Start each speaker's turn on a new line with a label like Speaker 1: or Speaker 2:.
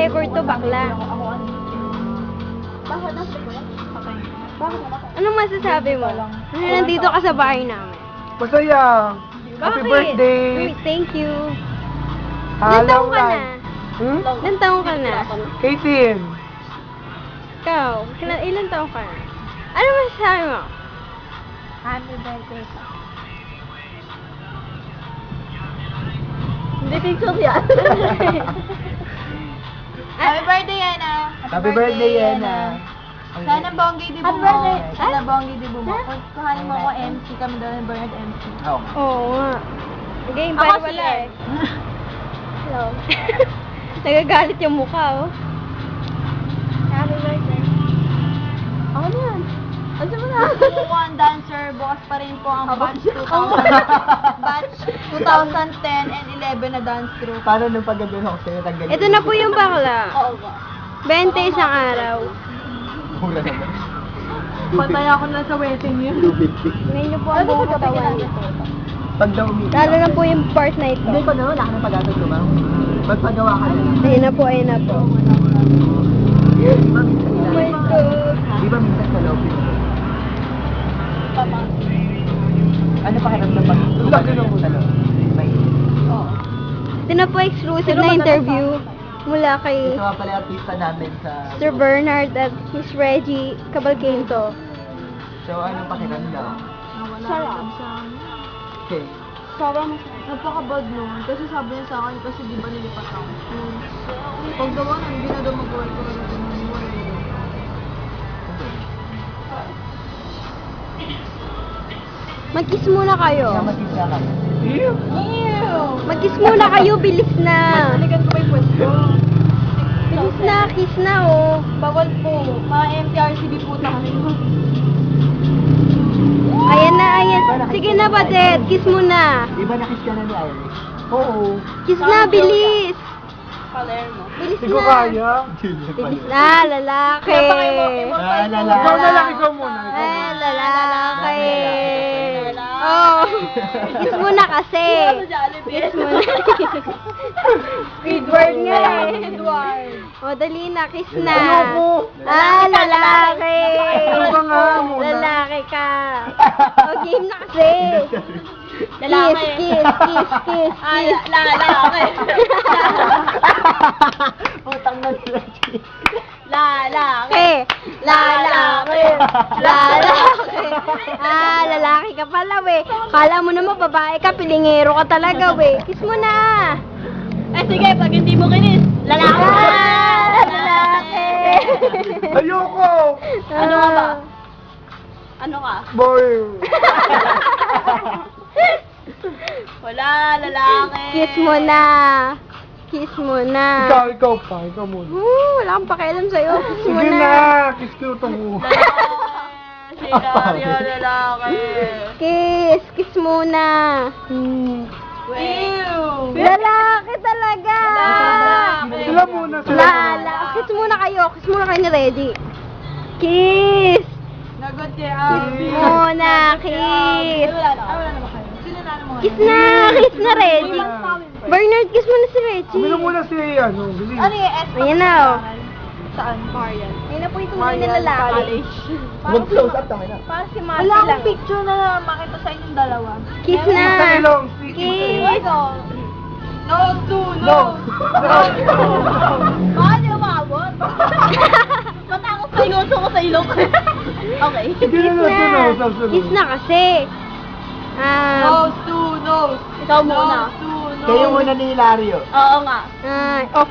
Speaker 1: record to, bakla.
Speaker 2: Bakit nasa ko yan? Okay. Bakit naman?
Speaker 1: Anong masasabi mo? Nandito ka sa bahay namin.
Speaker 3: Masaya. Happy
Speaker 1: Bakit?
Speaker 3: birthday.
Speaker 1: Uy, thank you. Ilan taong ka na?
Speaker 3: Hmm?
Speaker 1: Ilan taong ka na?
Speaker 3: 18.
Speaker 1: Ikaw, ilan taong ka na? Ano masasabi mo?
Speaker 2: Happy birthday pa.
Speaker 1: Hindi picture yan.
Speaker 2: Happy birthday, Yana!
Speaker 3: Happy birthday, Yana.
Speaker 2: Sana bonggi di
Speaker 1: Happy
Speaker 2: bumo.
Speaker 1: birthday.
Speaker 2: Sana bonggi di bumo. Kuhanin mo ako MC, kami daw ng Bernard MC.
Speaker 1: Oo nga. Game,
Speaker 2: Ako
Speaker 1: para
Speaker 2: si
Speaker 1: wala
Speaker 2: Ed.
Speaker 1: eh. Hello. Nagagalit yung mukha, oh.
Speaker 2: Happy birthday.
Speaker 1: Ako na yan. Ano mo na?
Speaker 2: Kung po ang dancer, bukas pa rin po ang batch 2010 and 11 na dance group.
Speaker 3: Paano nung paggabi ako sa'yo?
Speaker 1: Ito na po yung bakla.
Speaker 2: Oo ba?
Speaker 1: 20 isang araw.
Speaker 3: Mura naman.
Speaker 2: Patay ako na sa wedding yun.
Speaker 3: 250.
Speaker 1: Ngayon niyo po ang buong katawan.
Speaker 3: Pag daw umiiyak.
Speaker 1: Lalo na po yung part na ito.
Speaker 3: Hindi pa naman, wala ka ng pag-atag ko, ma'am. Magpagawa ka na.
Speaker 1: Ayun na po, ayun na po.
Speaker 3: Di ba minsan
Speaker 1: Oh my God.
Speaker 3: Di ba minsan sa loob yun? Ano pakiramdam pag lagi ng sa loob? May
Speaker 1: Ito na po exclusive na interview mula kay
Speaker 3: ito nga pala yung artista namin sa
Speaker 1: Sir Bernard at Miss Reggie Cabalquento.
Speaker 3: So, anong pakiramdam?
Speaker 2: Sarap.
Speaker 3: Okay.
Speaker 2: Sobrang napaka-bad nun. Kasi sabi niya sa akin, kasi di ba nilipat ako. Pag daw ano, hindi na daw mag-work ko na daw
Speaker 1: Mag-kiss muna kayo.
Speaker 3: Namatis na ka.
Speaker 2: Ew!
Speaker 1: Mag-kiss muna kayo, bilis na.
Speaker 2: Balikan ko pa yung pwesto.
Speaker 1: Bilis na, kiss na oh.
Speaker 2: Bawal po. Mga MTRCB po tayo.
Speaker 1: Ayan na, ayan. Sige na, Badet. Kiss mo na.
Speaker 3: Di ba nakis ka na ni Iris? Oo.
Speaker 1: Kiss na, bilis.
Speaker 2: Palermo.
Speaker 1: Bilis
Speaker 3: Hindi ko
Speaker 1: na.
Speaker 3: kaya.
Speaker 1: Bilis na, lalaki.
Speaker 3: Ah, lalaki.
Speaker 1: Ikaw na lang,
Speaker 3: ikaw muna.
Speaker 1: Eh, lalaki. Oh. Kiss mo na kasi. Kiss mo na. Squidward nga eh.
Speaker 2: Squidward.
Speaker 1: O, dali na, kiss na.
Speaker 3: Ayoko.
Speaker 1: Ah, lalaki.
Speaker 3: Ano ba nga muna?
Speaker 1: Lalaki ka. O, game na kasi.
Speaker 2: Lalaki.
Speaker 1: Kiss.
Speaker 2: Lalaki.
Speaker 3: Utang na sila.
Speaker 2: Lalaki.
Speaker 1: Lalaki. Ah, lalaki ka pala, we. Kala mo naman babae ka, pilingero ka talaga, we. Kiss mo na.
Speaker 2: Eh sige, pag hindi mo kinis, lalaki.
Speaker 1: Ah, lalaki.
Speaker 3: Ayoko!
Speaker 2: Ano ka ba? Ano ka?
Speaker 3: Boy!
Speaker 2: Wala, lalaki.
Speaker 1: Kiss mo na. Kiss mo na.
Speaker 3: Ikaw pa. Ikaw muna.
Speaker 1: Wala akong pakialam sa'yo. Kiss mo
Speaker 3: Sige
Speaker 1: na.
Speaker 3: na! Kiss ko itong mukha.
Speaker 2: Sigario, lalaki.
Speaker 1: Kiss muna.
Speaker 2: Ew.
Speaker 1: Lalaki talaga.
Speaker 2: Lalaki.
Speaker 3: Sila muna.
Speaker 1: Kiss muna kayo ni Reggie. Kiss.
Speaker 2: Nagot si
Speaker 1: Kiss muna, kiss.
Speaker 2: Wala naman kayo. Sino na naman
Speaker 1: Kiss na Reggie. Bernard, kiss mo na si Reggie.
Speaker 3: Bili muna si bilis.
Speaker 2: Ano yung S?
Speaker 1: Ayan na, oh.
Speaker 2: Saan? Marian.
Speaker 1: Ayun na po yung tunay na lalaki.
Speaker 3: Mag-close up tayo na.
Speaker 1: Parang si Marty
Speaker 2: Wala
Speaker 1: lang.
Speaker 2: akong picture na makita sa inyong dalawa.
Speaker 1: Kiss na.
Speaker 3: Sa ilong.
Speaker 1: Kiss.
Speaker 2: No, no. Bakit yung umabot? Matakot sa ilong ko sa ilong. Okay.
Speaker 3: Hindi na
Speaker 1: Kiss na.
Speaker 3: sunod.
Speaker 1: Kiss na kasi.
Speaker 2: Nose to nose. Ikaw muna. Nose to nose.
Speaker 3: Kayo muna ni Hilario.
Speaker 2: Oo nga.
Speaker 1: Oh,